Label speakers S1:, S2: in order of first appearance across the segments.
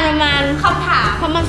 S1: คำถาม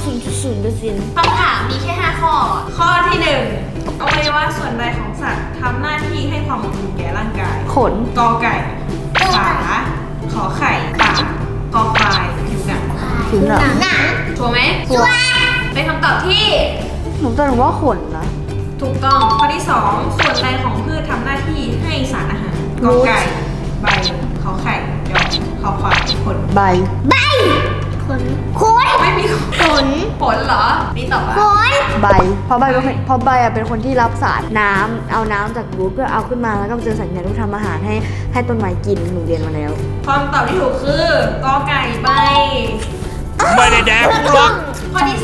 S2: 0.0%
S1: คำถามมีแค่5ข้อ ข้อที่1อวัยวะส่วนใดของสัตว์ทำหน้าที่ให้ความอบอุ่นแก่ร่างกาย
S2: ขน
S1: กอไก่ขาขอไข่ปากคอควายผิวหนัง
S2: ผิวหนัง
S1: ชัวร์ไหม
S2: ชัวร์
S1: เป็นคำตอบที่
S2: ผมตอบว่าขนนะ
S1: ถูกต้อง ข้อที่ 2 ส่วนใดของพืชทำหน้าที่ให้สารอาหารกอไก่ใบขอไข่ยอคอควายผล
S2: ใบ
S3: ขน
S1: ไม่มี
S3: ขน
S1: ผลเหรอ นี่ตอบว่า
S3: ขน
S2: ใบเพราะใบเป็นคนที่รับสารน้ำเอาน้ำจากรูทเพื่อเอาขึ้นมาแล้วก็เจอสัญญาณที่ทำอาหารให้ต้นไม้กินหนูเรียนมาแล้ว
S1: คำตอบที่ถูกคือกอไก่ใบ
S4: ไม่ได้แดกหรอก
S1: ข้อที่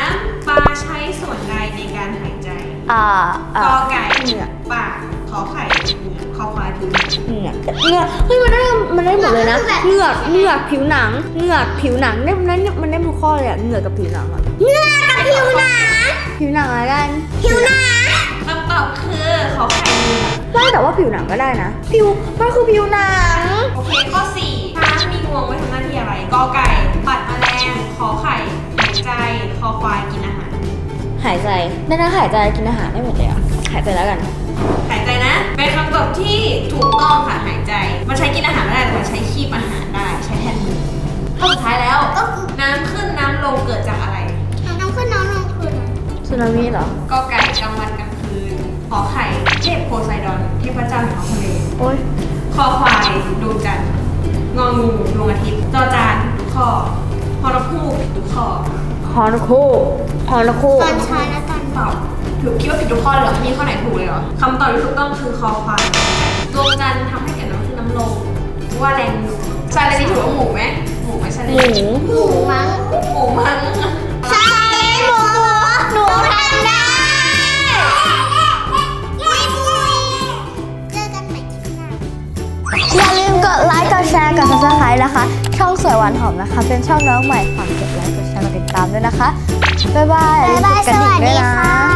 S1: 3 ปลาใช้ส่วนใดในการหายใจ กอไก่
S2: เหงือก
S1: ปากขอไข่เหงือกคอควายผิวหนัง
S2: เหงือกเฮ้ยมันได้หมดเลยนะเหงือกผิวหนังเหงือกผิวหนังมันได้ทุกข้อเลยอะเหงือกกับผิวหนังอะ
S3: เนื้อกับผิวหนัง
S2: ผิวหนังอะไรกัน
S3: ผิวหนัง
S1: คำตอบคือขอไข่เหงือก
S2: ได้แต่ว่าผิวหนังก็ได้นะมันคือผิวหนัง
S1: โอเค ข้อ 4 ช้างมีงวงไว้ทำหน้าที่อะไร กอไก่ ปัดแมลงขอไข่ หายใจ คอควายกินอาหาร
S2: หายใจได้นะหายใจกินอาหารได้หมดเลยอะหายใจแล้วกัน
S1: หายใจนะ เป็นคำตอบที่ถูกต้องค่ะ หายใจ มันใช้กินอาหารไม่ได้แต่มันใช้คีบอาหารได้ ใช้แทนมือข้อสุดท้ายแล้ว น้ำขึ้นน้ำลงเกิดจากอะไร
S3: น้องขึ้นน้องลงคืน
S2: สึนามิเหรอ
S1: กอไก่กลางวันกลางคืน ขอไข่เทพโพไซดอน เทพเจ้าแห่งท้องทะเล
S2: โอ๊ย
S1: คอควายดวงจันทร์งองูดวงอาทิตย์จอจานทุกข้อฮอนกฮูกทุกข้อ
S2: ฮอนคู่
S3: ตอนเช้าและตอน
S1: ตอบถูกคิดว่าผิดทุกข้อเลยเหรอมีข้อไหนถูกเลยเหรอคำตอบที่ถูกต้องคือคอควายดวงจันทร์ทำให้เกิดน้ำขึ้นน้ำลงว่าแรงหนุนซาเลนี่ถือว่าหมูไหมหมูไหมซาเล
S2: หมู
S1: นี่
S3: หมูมั้ง
S1: หมูมั้ง
S3: ใช่หมูหนูทำได้เจอกันใหม่คลิปหน้า
S2: อย่าลืมกดไลค์กดแชร์กด subscribe นะคะ ช่องสวยหวานหอมนะคะ เป็นช่องน้องใหม่ฝากกดไลค์กดแชร์กดติดตามด้วยนะคะ บ๊ายบายอย่าลืมกดกระดิ่งด้วยนะ